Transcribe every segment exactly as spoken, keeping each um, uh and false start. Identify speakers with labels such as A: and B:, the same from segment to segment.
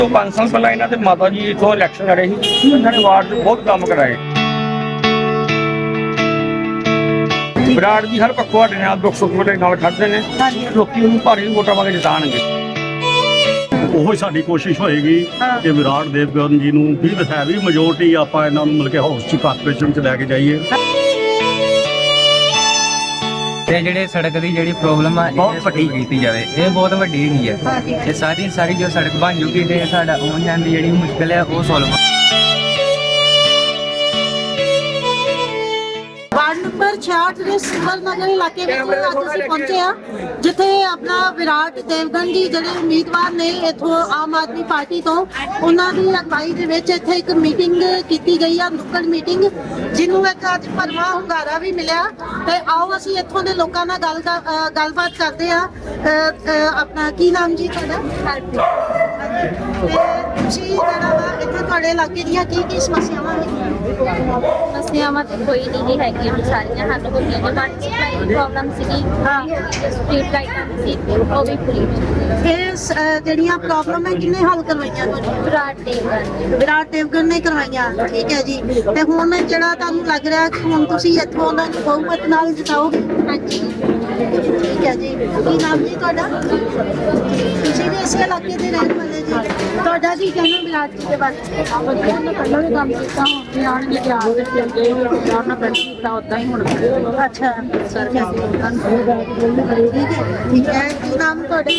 A: तो पाँच साल पहले इन्होंने माता जी इतों इलैक्शन लड़े ही इन्होंने वार्ड में बहुत काम कराए। विराट जी हर पक्षों साडे नाल दुख सुख वेले नाल खड़दे ने, लोकी उन्हें भारी वोटां पा के जिताणगे।
B: ਉਹੋ ਸਾਡੀ ਕੋਸ਼ਿਸ਼ ਹੋਏਗੀ ਕਿ ਵਿਰਾਟ ਦੇਵਗਨ ਜੀ ਨੂੰ ਵੀ ਹੈਵੀ ਮੈਜੋਰਟੀ ਆਪਾਂ ਇਹਨਾਂ ਨੂੰ ਮਿਲ ਕੇ ਹਾਊਸ ਚ ਕਾਰਪੋਰੇਸ਼ਨ ਚ ਲੈ ਕੇ ਜਾਈਏ।
C: ਤੇ ਜਿਹੜੇ ਸੜਕ ਦੀ ਜਿਹੜੀ ਪ੍ਰੋਬਲਮ ਆ ਇਹ ਵੱਡੀ ਕੀਤੀ ਜਾਵੇ, ਇਹ ਬਹੁਤ ਵੱਡੀ ਹੈਗੀ ਹੈ। ਤੇ ਸਾਰੀ ਸਾਰੀ ਜੋ ਸੜਕ ਬਣ ਜੂਗੀ ਤੇ ਸਾਡਾ ਆਉਣ ਜਾਣ ਦੀ ਜਿਹੜੀ ਮੁਸ਼ਕਲ ਹੈ ਉਹ ਸੋਲਵ।
D: ਵਾਰਡ ਨੰਬਰ ਛਿਆਹਠ ਦੇ ਸੁੰਦਰ ਨਗਰ ਇਲਾਕੇ ਵਿੱਚ ਅੱਜ ਅਸੀਂ ਪਹੁੰਚੇ ਆ, ਜਿੱਥੇ ਆਪਣਾ ਵਿਰਾਟ ਦੇਵਗਨ ਜੀ ਜਿਹੜੇ ਉਮੀਦਵਾਰ ਨੇ ਇਥੋਂ ਆਮ ਆਦਮੀ ਪਾਰਟੀ ਤੋਂ, ਉਹਨਾਂ ਦੀ ਅਗਵਾਈ ਦੇ ਵਿੱਚ ਇੱਥੇ ਇੱਕ ਮੀਟਿੰਗ ਕੀਤੀ ਗਈ ਆ, ਨੁੱਕੜ ਮੀਟਿੰਗ, ਜਿਹਨੂੰ ਇੱਕ ਅੱਜ ਭਰਵਾਂ ਹੁੰਗਾਰਾ ਵੀ ਮਿਲਿਆ। ਤੇ ਆਓ ਅਸੀਂ ਇੱਥੋਂ ਦੇ ਲੋਕਾਂ ਨਾਲ ਗੱਲ ਅ, ਗੱਲਬਾਤ ਕਰਦੇ ਆ। ਆਪਣਾ ਕੀ ਨਾਮ ਜੀ ਤੁਹਾਡਾ? ਤੇ ਤੁਸੀਂ ਜਿਹੜਾ ਵਾ ਇੱਥੇ ਤੁਹਾਡੇ ਇਲਾਕੇ ਦੀਆਂ ਕੀ ਕੀ ਸਮੱਸਿਆਵਾਂ ਹੈਗੀਆਂ?
E: ਸਮੱਸਿਆਵਾਂ ਤਾਂ ਕੋਈ ਨਹੀਂ ਹੈਗੀਆਂ, ਸਾਰੀਆਂ ਹੱਲ ਹੋ ਗਈਆਂ ਨੇ। ਵਾਟਰ ਸਪਲਾਈ ਦੀ ਪ੍ਰੋਬਲਮ ਸੀਗੀ, ਸਟਰੀਟ ਲਾਈਟਾਂ ਦੀ ਸੀ, ਉਹ ਵੀ ਪੂਰੀ
D: ਇਹ ਸ- ਜਿਹੜੀਆਂ ਪ੍ਰੋਬਲਮ ਹੈ ਕਿੰਨੇ ਹੱਲ ਕਰਵਾਈਆਂ ਤੁਹਾਡੀਆਂ?
E: ਵਿਰਾਟ ਦੇਵਗਨ
D: ਵਿਰਾਟ ਦੇਵਗਨ ਨੇ ਕਰਵਾਈਆਂ, ਠੀਕ ਹੈ ਜੀ। ਤੇ ਹੁਣ ਜਿਹੜਾ ਤੁਹਾਨੂੰ ਲੱਗ ਰਿਹਾ ਕਿ ਹੁਣ ਤੁਸੀਂ ਇੱਥੋਂ ਉਹਨਾਂ ਨੂੰ ਬਹੁਮਤ ਨਾਲ ਜਿਤਾਓਗੇ?
E: ਹਾਂਜੀ।
D: ਠੀਕ ਹੈ ਜੀ। ਕੀ ਨਾਮ ਜੀ ਤੁਹਾਡਾ? ਤੁਸੀਂ ਵੀ ਇਸੇ ਇਲਾਕੇ ਦੇ ਰਹਿਣ ਵਾਲੇ ਜੀ। ਤੁਹਾਡਾ ਕੀ ਕਹਿਣਾ ਵਿਰਾਟ ਜੀ ਦੇ ਬਾਰੇ?
F: ਵਧੀਆ ਨੇ ਪਹਿਲਾਂ ਵੀ ਕੰਮ ਕੀਤਾ, ਹੁਣ ਵੀ ਆਉਣਗੇ ਤੇ ਆ ਕੇ ਫਿਰ ਜੇ ਵਿਚਾਰ ਨਾਲ ਪਹਿਲਾਂ ਕੀਤਾ ਉਦਾਂ ਹੀ ਹੁਣ
D: ਅੱਛਾ
F: ਸਰ
D: ਠੀਕ ਹੈ ਠੀਕ ਹੈ। ਕੀ ਨਾਮ ਤੁਹਾਡਾ?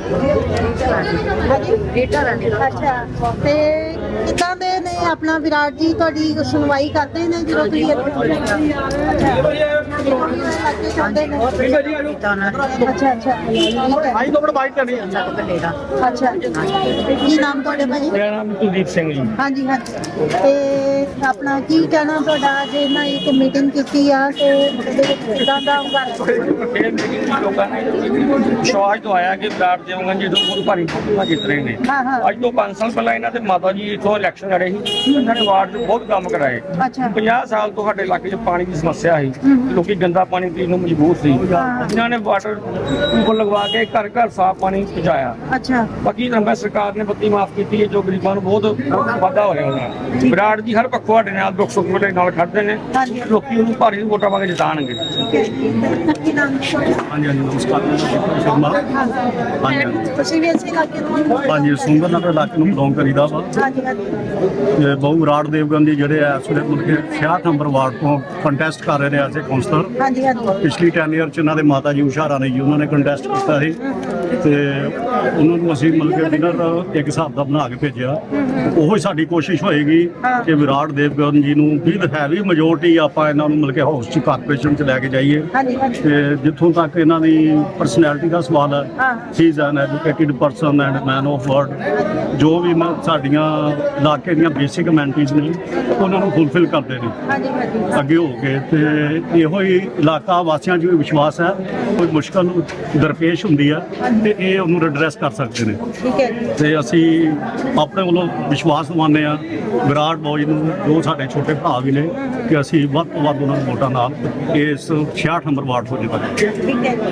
F: ਬੇਟਾ ਰਹਿੰਦੇ
D: ਅੱਛਾ, ਤੇ ਕਿੱਦਾਂ ਦੇ ਨੇ ਆਪਣਾ ਵਿਰਾਟ ਜੀ? ਤੁਹਾਡੀ ਸੁਣਵਾਈ ਕਰਦੇ ਨੇ ਜਦੋਂ ਤੁਸੀਂ ਇੱਥੇ? ਅੱਛਾ ਇਲਾਕੇ ਚਾਹੁੰਦੇ ਨੇ? ਅੱਛਾ ਅੱਛਾ
A: ਆਈ ਤੋਂ ਬੜਾ ਬਾਈਟ ਕਰਨੀ ਹੈ।
D: ਅੱਛਾ ਕੀ ਨਾਮ ਤੁਹਾਡੇ ਭਾਜੀ?
A: ਮੇਰਾ ਨਾਮ ਕੁਲਦੀਪ ਸਿੰਘ ਜੀ।
D: ਹਾਂਜੀ ਹਾਂਜੀ। ਤੇ ਆਪਣਾ ਕੀ ਕਹਿਣਾ ਤੁਹਾਡਾ? ਜੇ ਨਾ ਇੱਕ ਮੀਟਿੰਗ ਕੀਤੀ ਆ ਤੇ ਉਹਦੇ ਵਿੱਚ ਕਿੱਦਾਂ ਦਾ ਹੁੰਗਾਰਾ?
A: ਇਹ ਮੀਟਿੰਗ ਲੋਕਾਂ ਨੇ ਵਿਸ਼ਵਾਸ ਦਵਾਇਆ ਕਿ ਵਿਰਾਟ ਦੇਵਗਨ ਜੀ ਤੋਂ ਬਹੁਤ ਭਾਰੀ ਵੋਟਾਂ ਜਿੱਤ ਰਹੇ ਨੇ।
D: ਹਾਂ ਹਾਂ
A: ਅੱਜ ਤੋਂ ਪੰਜ ਸਾਲ ਪਹਿਲਾਂ ਇਹਨਾਂ ਦੇ ਮਾਤਾ ਜੀ ਇਤੋਂ ਇਲੈਕਸ਼ਨ ਲੜੇ ਸੀ, ਇਹਨਾਂ ਨੇ ਵਾਰਡ 'ਚ ਬਹੁਤ ਕੰਮ ਕਰਾਏ।
D: ਅੱਛਾ
A: ਪੰਜਾਹ ਸਾਲ ਤੋਂ ਸਾਡੇ ਇਲਾਕੇ 'ਚ ਪਾਣੀ ਦੀ ਸਮੱਸਿਆ ਸੀ, ਲੋਕੀ ਗੰਦਾ ਪਾਣੀ ਪੀਣ ਨੂੰ ਮਜਬੂਰ ਸੀ। ਇਹਨਾਂ ਨੇ ਵਾਟਰ ਟਿਊਬਲ ਲਗਵਾ ਕੇ ਘਰ ਘਰ ਸਾਫ਼ ਪਾਣੀ ਪਹੁੰਚਾਇਆ।
D: ਅੱਛਾ
A: ਬਾਕੀ ਨੰਬਰ ਸਰਕਾਰ ਨੇ ਬੱਤੀ ਮਾਫ ਕੀਤੀ ਹੈ, ਜੋ ਗਰੀਬਾਂ ਨੂੰ ਬਹੁਤ ਵਾਧਾ ਹੋਇਆ ਉਹਨਾਂ ਨਾਲ। ਵਿਰਾਟ ਜੀ ਹਰ ਪੱਖੋਂ ਸਾਡੇ ਨਾਲ ਦੁੱਖ ਸੁੱਖ ਵੇਲੇ ਨਾਲ ਖੜਦੇ ਨੇ, ਲੋਕੀ ਉਹਨੂੰ ਭਾਰੀ ਵੋਟਾਂ ਪਾ ਕੇ ਜਿਤਾਣਗੇ।
D: ਕੀ ਨਾਮ ਤੁਹਾਡਾ?
B: ਹਾਂਜੀ ਹਾਂਜੀ ਨਮਸਕਾਰ, ਮੈਂ ਡਾਕਟਰ ਸ਼ਰਮਾ। ਹਾਂਜੀ ਹਾਂਜੀ
D: ਤੁਸੀਂ ਵੀ ਇਸੇ ਇਲਾਕੇ ਤੋਂ?
B: ਹਾਂਜੀ ਸੁੰਦਰ ਨਗਰ ਇਲਾਕੇ ਨੂੰ ਬਿਲੋਂਗ ਕਰੀਦਾ ਵਾ।
D: ਹਾਂਜੀ ਹਾਂਜੀ
B: ਤੇ ਬਹੁ ਵਿਰਾਟ ਦੇਵਗਨ ਜੀ ਜਿਹੜੇ ਆ ਇਸ ਵੇਲੇ ਮੁੜ ਕੇ ਛਿਆਹਠ ਨੰਬਰ ਵਾਰਡ ਤੋਂ ਕੰਟੈਸਟ ਕਰ ਰਹੇ ਨੇ ਐਜ਼ ਏ ਕਾਉਂਸਲਰ।
D: ਹਾਂਜੀ ਹਾਂਜੀ
B: ਪਿਛਲੀ ਟੈਨ ਈਅਰ ਚ ਇਹਨਾਂ ਦੇ ਮਾਤਾ ਜੀ ਉਸ਼ਾ ਰਾਣੀ ਜੀ ਉਹਨਾਂ ਨੇ ਕੰਟੈਸਟ ਕੀਤਾ ਸੀ, ਤੇ ਉਹਨਾਂ ਨੂੰ ਅਸੀਂ ਮਿਲ ਕੇ ਵਿਨਰ ਇੱਕ ਹਿਸਾਬ ਦਾ ਬਣਾ ਕੇ ਭੇਜਿਆ। ਉਹੋ ਸਾਡੀ ਕੋਸ਼ਿਸ਼ ਹੋਏਗੀ ਕਿ ਵਿਰਾਟ ਦੇਵਗਨ ਜੀ ਨੂੰ ਵੀ ਹੈਵੀ ਮੈਜੋਰਟੀ ਆਪਾਂ ਇਹਨਾਂ ਨੂੰ ਮਿਲ ਕੇ ਹਾਊਸ ਚ ਕਾਰਪੋਰੇਸ਼ਨ ਚ ਲੈ ਕੇ ਜਾਈਏ।
D: ਹਾਂਜੀ ਹਾਂਜੀ
B: ਤੇ ਜਿੱਥੋਂ ਤੱਕ ਇਹਨਾਂ ਦੀ ਪਰਸਨੈਲਿਟੀ ਦਾ ਸਵਾਲ ਹੈ,
D: ਹਾਂ।
B: He is an educated person and man of word. ਜੋ ਵੀ ਮੈਂ ਸਾਡੀਆਂ ਇਲਾਕੇ ਦੀਆਂ ਬੇਸਿਕ ਅਮੈਨਿਟੀਜ਼ ਨੇ ਉਹਨਾਂ ਨੂੰ ਫੁੱਲਫਿਲ ਕਰਦੇ ਨੇ
D: ਹਾਂਜੀ ਹਾਂਜੀ
B: ਅੱਗੇ ਹੋ ਕੇ। ਤੇ ਇਹੋ ਹੀ ਇਲਾਕਾ ਵਾਸੀਆਂ 'ਚ ਵੀ ਵਿਸ਼ਵਾਸ ਹੈ, ਕੋਈ ਮੁਸ਼ਕਲ ਦਰਪੇਸ਼ ਹੁੰਦੀ ਹੈ ਤੇ ਇਹ ਉਹਨੂੰ ਐਡਰੈਸ ਕਰ ਸਕਦੇ ਨੇ।
D: ਠੀਕ ਹੈ ਜੀ।
B: ਤੇ ਅਸੀਂ ਆਪਣੇ ਵੱਲੋਂ ਵਿਸ਼ਵਾਸ ਦਿਵਾਉਂਦੇ ਹਾਂ ਵਿਰਾਟ ਬੋਜ ਨੂੰ, ਜੋ ਸਾਡੇ ਛੋਟੇ ਭਰਾ ਵੀ ਨੇ, ਕਿ ਅਸੀਂ ਵੱਧ ਤੋਂ ਵੱਧ ਉਹਨਾਂ ਨੂੰ ਵੋਟਾਂ ਨਾਲ ਇਸ ਛਿਆਹਠ ਨੰਬਰ ਵਾਰਡ ਤੋਂ ਜਿਤਾਂਗੇ।
D: ਠੀਕ ਹੈ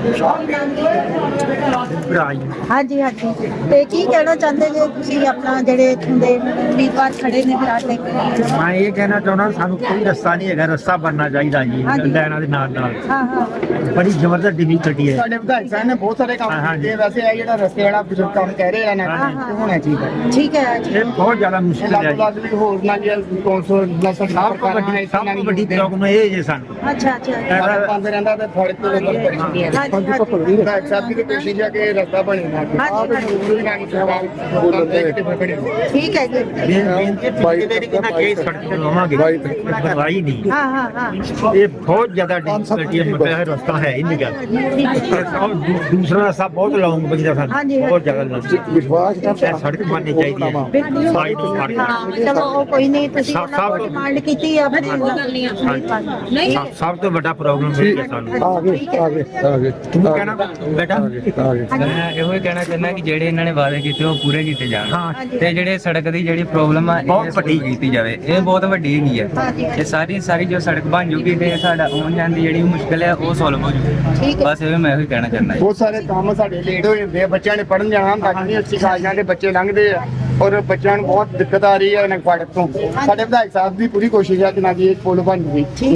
D: ਜੀ। ਹਾਂਜੀ ਹਾਂਜੀ। ਤੇ ਕੀ ਕਹਿਣਾ ਚਾਹੁੰਦੇ ਜੇ ਤੁਸੀਂ ਆਪਣਾ ਜਿਹੜੇ ਇੱਥੋਂ ਦੇ ਉਮੀਦਵਾਰ ਖੜੇ ਨੇ ਵਿਰਾਟ ਦੇ?
C: ਮੈਂ ਇਹ ਕਹਿਣਾ ਚਾਹੁੰਦਾ ਸਾਨੂੰ ਕੋਈ ਰਸਤਾ ਨਹੀਂ ਹੈਗਾ, ਰਸਤਾ ਬਣਨਾ ਚਾਹੀਦਾ ਜੀ ਲੈਣਾ ਦੇ ਨਾਲ ਨਾਲ।
D: ਹਾਂ ਹਾਂ
C: ਬੜੀ ਜ਼ਬਰਦਸਤ ਡਿਫਿਕਲਟੀ ਹੈ।
G: ਸਾਡੇ ਵਿਧਾਇਕ ਸਾਹਿਬ ਨੇ ਬਹੁਤ ਸਾਰੇ ਕੰਮ
C: ਹਾਂ,
G: ਕੀਤੇ। ਵੈਸੇ ਇਹ ਜਿਹੜਾ ਰਸਤੇ ਵਾਲਾ ਬਜ਼ੁਰਗ ਕੰਮ ਕਹਿ ਰਹੇ ਨੇ
D: ਹਾਂ,
G: ਇਹ ਹੋਣਾ ਚਾਹੀਦਾ।
D: ਠੀਕ ਹੈ ਜੀ।
C: ਇਹ ਬਹੁਤ ਜ਼ਿਆਦਾ
G: ਇਹ
C: ਮੁਸ਼ਕਿਲ ਹੈ
G: ਲੱਗ ਲੱਗ ਵੀ ਹੋਰ ਨਾ ਜੇ ਕੌਂਸਲ ਬਲਸਰ
C: ਸਭ ਤੋਂ ਵੱਡੀ ਸਭ ਤੋਂ ਵੱਡੀ ਪ੍ਰੋਬਲਮ ਇਹ ਜੇ ਸਾਨੂੰ
D: ਅੱਛਾ ਅੱਛਾ
G: ਪੰਦ ਰਹਿੰਦਾ ਤੇ ਥੋੜੇ ਤੇ ਲੋਕ
D: ਹਾਂਜੀ ਹਾਂਜੀ
G: ਵਿਧਾਇਕ ਸਾਹਿਬ ਦੀ ਕੋਸ਼ਿਸ਼ ਹੈ ਕਿ ਰਸਤਾ ਬਣੇ ਨਾ
D: ਹਾਂਜੀ, ਹਾਂਜੀ।
G: ਜ਼ਰੂਰੀ ਨਾ ਕਿ ਸਵਾਲ ਬੋਲਦੇ ਕਿ ਬਣੇ।
D: ਠੀਕ ਹੈ ਜੀ।
C: ਬੇਨਤੀ ਪਿਛਲੇ ਦੀ ਕਿੰਨਾ ਕੇਸ ਸੜਕ ਤੇ ਲਵਾਂਗੇ ਬਣਵਾਈ ਨਹੀਂ।
D: ਹਾਂ ਹਾਂ ਹਾਂ
C: ਇਹ ਬਹੁਤ ਜ਼ਿਆਦਾ ਡਿਫਿਕਲਟੀ ਹੈ, ਮਤਲਬ ਇਹ ਰਸਤਾ ਹੈ ਹੀ ਨਹੀਂ ਗਾ। ਔਰ ਦੂ- ਦੂਸਰਾ ਰਸਤਾ ਬਹੁਤ ਲੌਂਗ ਬਚਦਾ ਸਾਨੂੰ,
D: ਹਾਂਜੀ,
C: ਬਹੁਤ ਜ਼ਿਆਦਾ ਲੌਂਗ।
G: ਵਿਸ਼ਵਾਸ
C: ਇਹ ਸੜਕ ਬਣਨੀ ਚਾਹੀਦੀ ਹੈ
D: ਬਿਲਕੁਲ।
C: ਸਾਈਡ ਤੋਂ ਸੜਕ।
D: ਹਾਂ ਚਲੋ ਉਹ ਕੋਈ ਨਹੀਂ, ਤੁਸੀਂ
C: ਸਭ-
D: ਉਹਨਾਂ ਕੋਲ
C: ਸਭ-
D: ਡਿਮਾਂਡ ਕੀਤੀ ਆ ਫਿਰ ਉਹ ਗੱਲ ਨਹੀਂ
C: ਹਾਂਜੀ। ਸਭ- ਸਭ ਤੋਂ ਵੱਡਾ ਪ੍ਰੋਬਲਮ ਇਹ ਹੈ ਸਾਨੂੰ।
A: ਤੂੰ ਕਹਿਣਾ ਬੇਟਾ
C: ਮੈਂ ਇਹੋ ਹੀ ਕਹਿਣਾ ਚਾਹੁੰਦਾ ਕਿ ਜਿਹੜੇ ਇਹਨਾਂ ਨੇ ਵਾਅਦੇ ਕੀਤੇ ਉਹ ਪੂਰੇ ਕੀਤੇ ਜਾਣ।
D: ਹਾਂਜੀ।
C: ਤੇ ਜਿਹੜੇ ਸੜਕ ਦੀ ਜਿਹੜੀ ਪ੍ਰੋਬਲਮ ਆ ਇਹ ਵੱਡੀ ਕੀਤੀ ਜਾਵੇ, ਇਹ ਬਹੁਤ ਵੱਡੀ ਹੈਗੀ ਹੈ।
D: ਹਾਂਜੀ।
C: ਤੇ ਸਾਰੀ ਸਾਰੀ ਜੋ ਸੜਕ ਬਣ ਜੂਗੀ ਤੇ ਸਾਡਾ ਆਉਣ ਜਾਣ ਦੀ ਜਿਹੜੀ ਮੁਸ਼ਕਲ ਹੈ ਉਹ ਸੋਲਵ ਹੋ
D: ਠੀਕ
C: ਜੂ।
D: ਹੈ।
C: ਬਸ ਇਹ ਮੈਂ ਇਹੀ ਕਹਿਣਾ ਚਾਹੁੰਦਾ ਜੀ।
G: ਬਹੁਤ ਸਾਰੇ ਕੰਮ ਸਾਡੇ ਲੇਟ ਹੋ ਜਾਂਦੇ ਆ, ਬੱਚਿਆਂ ਨੇ ਪੜਨ ਜਾਣਾ ਹੁੰਦਾ, ਕਿੰਨੀ ਅੱਛੀ ਕਾਲਜਾਂ ਦੇ ਬੱਚੇ ਲੰਘਦੇ ਆ ਔਰ ਬੱਚਿਆਂ ਨੂੰ ਬਹੁਤ ਦਿੱਕਤ ਆ ਰਹੀ ਹੈ ਇਹਨਾਂ ਫਾਟਕ ਤੋਂ। ਸਾਡੇ ਵਿਧਾਇਕ ਸਾਹਿਬ ਦੀ ਪੂਰੀ ਕੋਸ਼ਿਸ਼ ਹੈ ਕਿ ਨਾ ਜੀ ਇਹ ਪੁਲ ਬਣ ਜਾਵੇ।